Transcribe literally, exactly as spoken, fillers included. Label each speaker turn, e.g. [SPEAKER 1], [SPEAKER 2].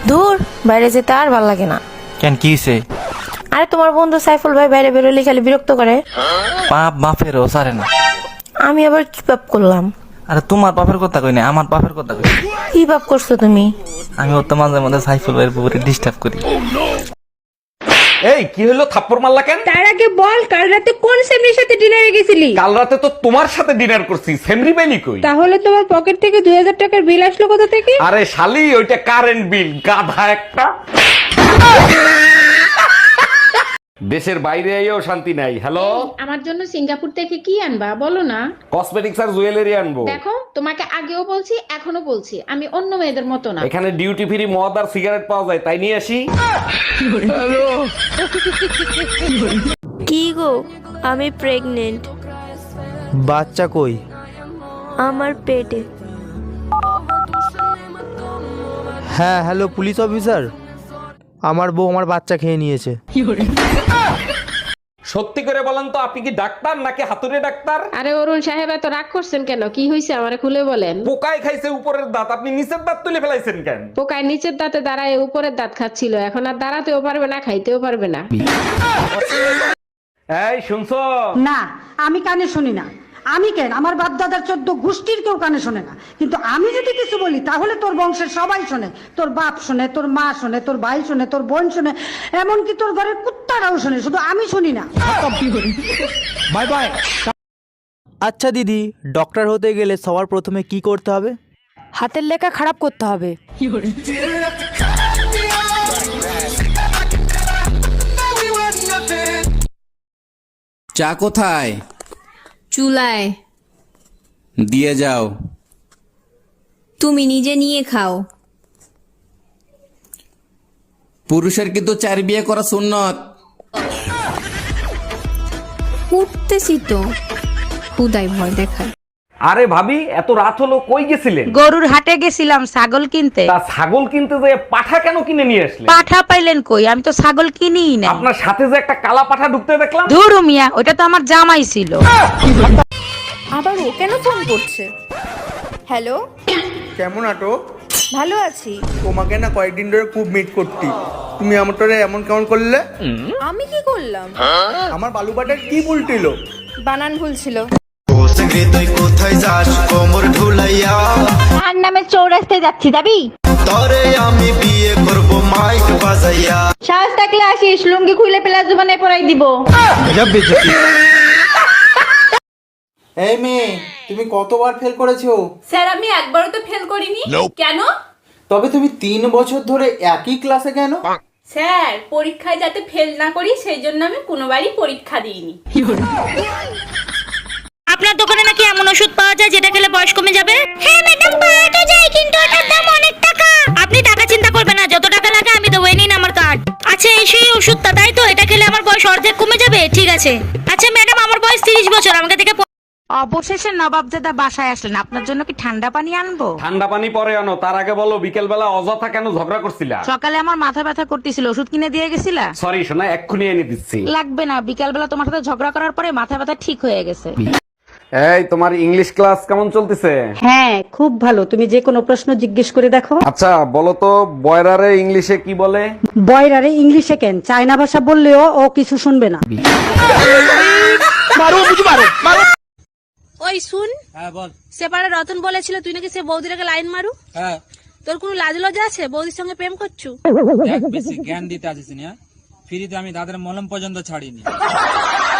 [SPEAKER 1] দূর, বাইরে যেতে আর ভাল লাগে না।
[SPEAKER 2] কেন, কি হইছে?
[SPEAKER 1] আরে তোমার বন্ধু সাইফুল ভাই বাইরে বেরোলে খালি বিরক্ত করে।
[SPEAKER 2] পাপ বাপেরও সারে না।
[SPEAKER 1] আমি আবার কি পাপ করলাম?
[SPEAKER 2] আরে তোমার বাপের কথা কই না, আমার বাপের কথা কই।
[SPEAKER 1] কি পাপ করছো তুমি?
[SPEAKER 2] আমি ওর তো মাঝে মাঝে সাইফুল ভাইয়ের পুকুরে ডিস্টার্ব করি।
[SPEAKER 3] এই কি হলো, থাপ্পড় মারলা কেন?
[SPEAKER 4] তার আগে বল, কাল রাতে কোন সেমরির সাথে ডিনারে গেছিলি?
[SPEAKER 3] কাল রাতে তো তোমার সাথে ডিনার করছি, সেমরি বেলি কই?
[SPEAKER 4] তাহলে তোমার পকেট থেকে দুই হাজার টাকার বিল আসলো কোথা থেকে?
[SPEAKER 3] আরে শালি, ওইটা কারেন্ট বিল, গাধা একটা। দেশের বাইরে আইও শান্তি নাই। হ্যালো,
[SPEAKER 4] আমার জন্য সিঙ্গাপুর থেকে কি আনবা বলো না?
[SPEAKER 3] কসমেটিক্স আর জুয়েলারি আনবো।
[SPEAKER 4] দেখো, তোমাকে আগেও বলছি এখনো বলছি, আমি অন্য মেয়েদের মতো না।
[SPEAKER 3] এখানে ডিউটি ফ্রি মদ আর সিগারেট পাওয়া যায়, তাই নিয়ে আসি।
[SPEAKER 5] কি গো, আমি প্রেগনেন্ট।
[SPEAKER 6] বাচ্চা কই?
[SPEAKER 5] আমার পেটে।
[SPEAKER 6] হ্যাঁ, হ্যালো পুলিশ অফিসার, আমার বউ আমার বাচ্চা খেয়ে নিয়েছে।
[SPEAKER 3] সত্যি করে বলেন তো, আপনি কি ডাক্তার নাকি হাতুড়ে ডাক্তার?
[SPEAKER 4] আরে অরুণ সাহেব, এত রাগ করছেন কেন? কি হয়েছে আমারে খুলে বলেন।
[SPEAKER 3] পোকায় খাইছে উপরের দাঁত, আপনি নিচের দাঁত তুলে ফেলাইছেন কেন?
[SPEAKER 4] পোকায় নিচের দাঁতে দাঁড়ায় উপরের দাঁত খাচ্ছিল, এখন আর দাঁড়াতেও পারবে না, খাইতেও পারবে না।
[SPEAKER 3] এই শুনছো?
[SPEAKER 7] না, আমি কানে শুনি না। আমি কেন, আমার বাপ দাদার চোদ্দ গোষ্ঠীর কেউ কানে শোনে না, কিন্তু আমি যদি কিছু বলি তাহলে তোর বংশের সবাই শোনে। তোর বাপ শোনে, তোর মা শোনে, তোর ভাই শোনে, তোর বোন শোনে, এমনকি তোর ঘরের কুত্তারাও শোনে, শুধু আমি শুনি না।
[SPEAKER 6] Bye bye. আচ্ছা দিদি, ডক্টর হতে গেলে সবার প্রথমে কি করতে হবে?
[SPEAKER 1] হাতের লেখা খারাপ করতে হবে।
[SPEAKER 8] চা কোথায়?
[SPEAKER 9] চুলায়।
[SPEAKER 8] দিয়ে যাও।
[SPEAKER 9] তুমি নিজে নিয়ে খাও।
[SPEAKER 8] পুরুষের কিন্তু চার বিয়ে করা সুন্নত।
[SPEAKER 9] উঠতেছি তো, হুদাই ভয় দেখায়।
[SPEAKER 3] আরে ভাবি, এত রাত হলো, কই গেছিলেন?
[SPEAKER 7] গরুর হাটে গেছিলাম ছাগল কিনতে।
[SPEAKER 3] তা ছাগল কিনতে যে পাঠা কেন কিনে নিয়ে আসলেন?
[SPEAKER 7] পাঠা পাইলেন কই? আমি তো ছাগল কিনিই না।
[SPEAKER 3] আপনার সাথে যে একটা কালা পাঠা ঢুকতে দেখলাম।
[SPEAKER 7] ধুর মিয়া, ওটা তো আমার জামাই ছিল।
[SPEAKER 5] আবার ও কেন ফোন করছে? হ্যালো,
[SPEAKER 6] কেমন আটো?
[SPEAKER 5] ভালো আছি।
[SPEAKER 6] তোমাকে না কয়েকদিন ধরে খুব মিট করতি, তুমি আমারটারে এমন কেমন করলে?
[SPEAKER 5] আমি কি করলাম?
[SPEAKER 6] আমার বালুবাটার কি উল্টিল?
[SPEAKER 5] বানান ভুল ছিল।
[SPEAKER 10] তুই কোথায় যাস কোমর ঢুলাইয়া?
[SPEAKER 4] তার নামে চৌরাস্তায় যাচ্ছি, যাবি?
[SPEAKER 10] তরে আমি বিয়ে করব মাইক বাজাইয়া।
[SPEAKER 4] সাহস থাকলে আসিস, লুঙ্গি খুলে পেলা জুবানে পরাই দিব।
[SPEAKER 6] এই মেয়ে, তুমি কতবার ফেল করেছো?
[SPEAKER 9] স্যার, আমি একবারও তো ফেল করিনি। কেন?
[SPEAKER 6] তবে তুমি তিন বছর ধরে একই ক্লাসে কেন?
[SPEAKER 9] স্যার, পরীক্ষায় যাতে ফেল না করি সেই জন্য আমি কোনোবারই পরীক্ষা দিইনি।
[SPEAKER 5] আপনার দোকানে নাকি এমন ওষুধ পাওয়া যায় যেটা খেলে বয়স কমে যাবে? হ্যাঁ ম্যাডাম, পাওয়া তো যায়, কিন্তু এটার দাম অনেক টাকা। আপনি টাকা চিন্তা করবেন না, যত টাকা লাগে আমি দেবো, এই নিন আমার কার্ড। আচ্ছা, এই সেই ওষুধটা, তাই তো? এটা খেলে আমার বয়স অর্ধেক কমে যাবে? ঠিক আছে। আচ্ছা ম্যাডাম, আমার বয়স তিরিশ বছর, আমাকে দেখে।
[SPEAKER 7] অবশেষে নবাবজাদা বাসায় আসলেন, আপনার জন্য কি ঠান্ডা পানি আনবো?
[SPEAKER 3] ঠান্ডা পানি পরে আনো, তার আগে বলো বিকেল বেলা অযথা কেন ঝগড়া করছিলা?
[SPEAKER 7] সকালে আমার মাথা ব্যথা করতেছিল, ওষুধ কিনে দিয়ে গেছিলা?
[SPEAKER 3] সরি শোনা, এক্ষুনি এনে দিচ্ছি।
[SPEAKER 7] লাগবে না, বিকাল বেলা তোমার সাথে ঝগড়া করার পরে মাথা ব্যথা ঠিক হয়ে গেছে।
[SPEAKER 3] এই, তোমার ইংলিশ ক্লাস কেমন চলতেছে?
[SPEAKER 7] হ্যাঁ, খুব ভালো। তুমি যে কোনো প্রশ্ন জিজ্ঞেস করে দেখো।
[SPEAKER 3] আচ্ছা বলো তো, বয়রারে ইংলিশে কি বলে?
[SPEAKER 7] বয়রারে ইংলিশে কেন, চায়না ভাষা বললেও ও কিছু শুনবে না।
[SPEAKER 5] ওই শুন,
[SPEAKER 2] হ্যাঁ বল।
[SPEAKER 5] সেপারে রতন বলেছিল তুই নাকি সে বৌদির আগে লাইন মারু।
[SPEAKER 2] হ্যাঁ,
[SPEAKER 5] তোর কোনো লাজ লজ্জা আছে? বৌদির সঙ্গে প্রেম করছু?
[SPEAKER 2] বেশি জ্ঞান দিতে আসিস না, ফ্রিতে আমি দাদের মলম পর্যন্ত ছাড়িনি।